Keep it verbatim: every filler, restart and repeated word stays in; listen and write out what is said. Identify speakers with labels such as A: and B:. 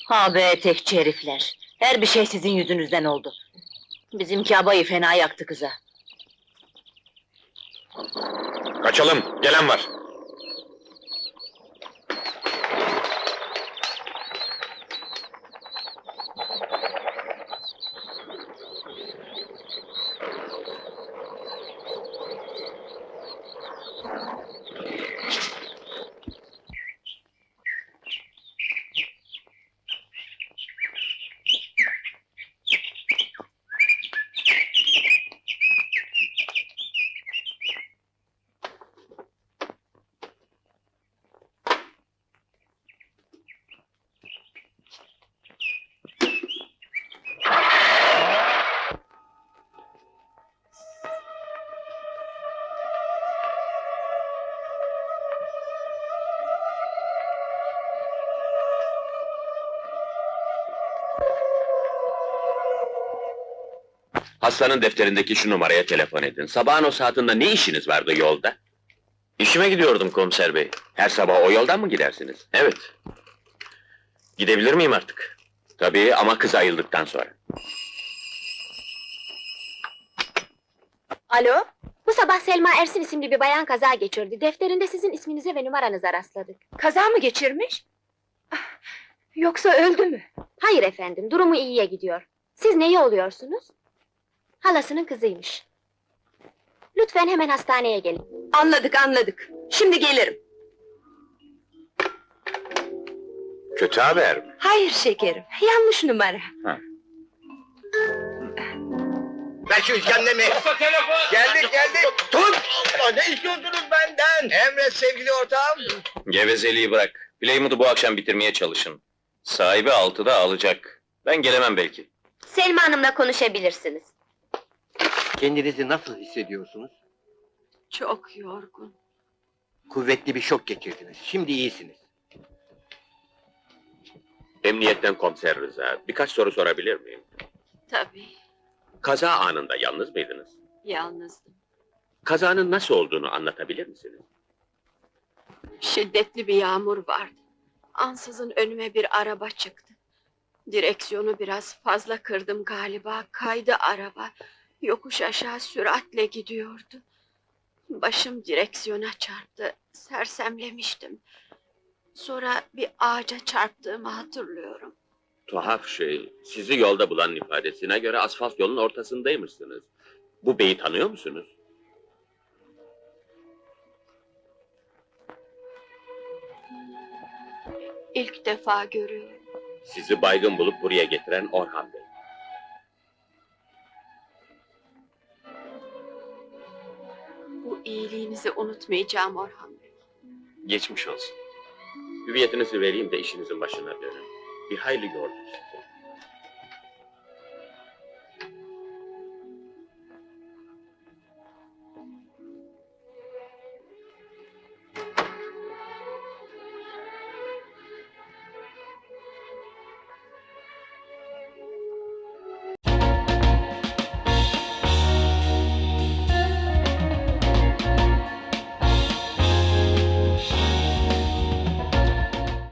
A: Ha be etekçi herifler! Her bir şey sizin yüzünüzden oldu. Bizimki abayı fena yaktı kıza.
B: Kaçalım, gelen var. Hastanın defterindeki şu numaraya telefon edin. Sabahın o saatinde ne işiniz vardı yolda? İşime gidiyordum komiser bey. Her sabah o yoldan mı gidersiniz? Evet. Gidebilir miyim artık? Tabii ama kız ayıldıktan sonra.
C: Alo? Bu sabah Selma Ersin isimli bir bayan kaza geçirdi. Defterinde sizin isminize ve numaranıza rastladık.
D: Kaza mı geçirmiş? Ah, yoksa öldü mü?
C: Hayır efendim, durumu iyiye gidiyor. Siz neyi oluyorsunuz? Halasının kızıymış. Lütfen hemen hastaneye gelin.
D: Anladık anladık. Şimdi gelirim.
B: Kötü haber mi?
D: Hayır şekerim, yanlış numara.
E: Ver şu iskemlemi! Geldik geldik! Tut! Allah, ne istiyorsunuz benden? Emret sevgili ortağım!
B: Gevezeliği bırak. Playmood'u bu akşam bitirmeye çalışın. Sahibi altıda alacak. Ben gelemem belki.
C: Selma Hanım'la konuşabilirsiniz.
E: Kendinizi nasıl hissediyorsunuz?
D: Çok yorgun.
E: Kuvvetli bir şok geçirdiniz. Şimdi iyisiniz.
B: Emniyetten komiser Rıza. Birkaç soru sorabilir miyim?
D: Tabii,
B: Kaza anında yalnız mıydınız?
D: yalnızdım.
B: Kazanın nasıl olduğunu anlatabilir misiniz?
D: Şiddetli bir yağmur vardı. Ansızın önüme bir araba çıktı. Direksiyonu biraz fazla kırdım galiba, kaydı araba. Yokuş aşağı süratle gidiyordu. Başım direksiyona çarptı, sersemlemiştim. Sonra bir ağaca çarptığımı hatırlıyorum.
B: Tuhaf şey, sizi yolda bulan ifadesine göre asfalt yolun ortasındaymışsınız. Bu beyi tanıyor musunuz?
D: İlk defa görüyorum.
B: Sizi baygın bulup buraya getiren Orhan Bey.
D: Bu iyiliğinizi unutmayacağım Orhan Bey.
B: Geçmiş olsun. Hüviyetinizi vereyim de işinizin başına dönün. Bir hayli yordunuz.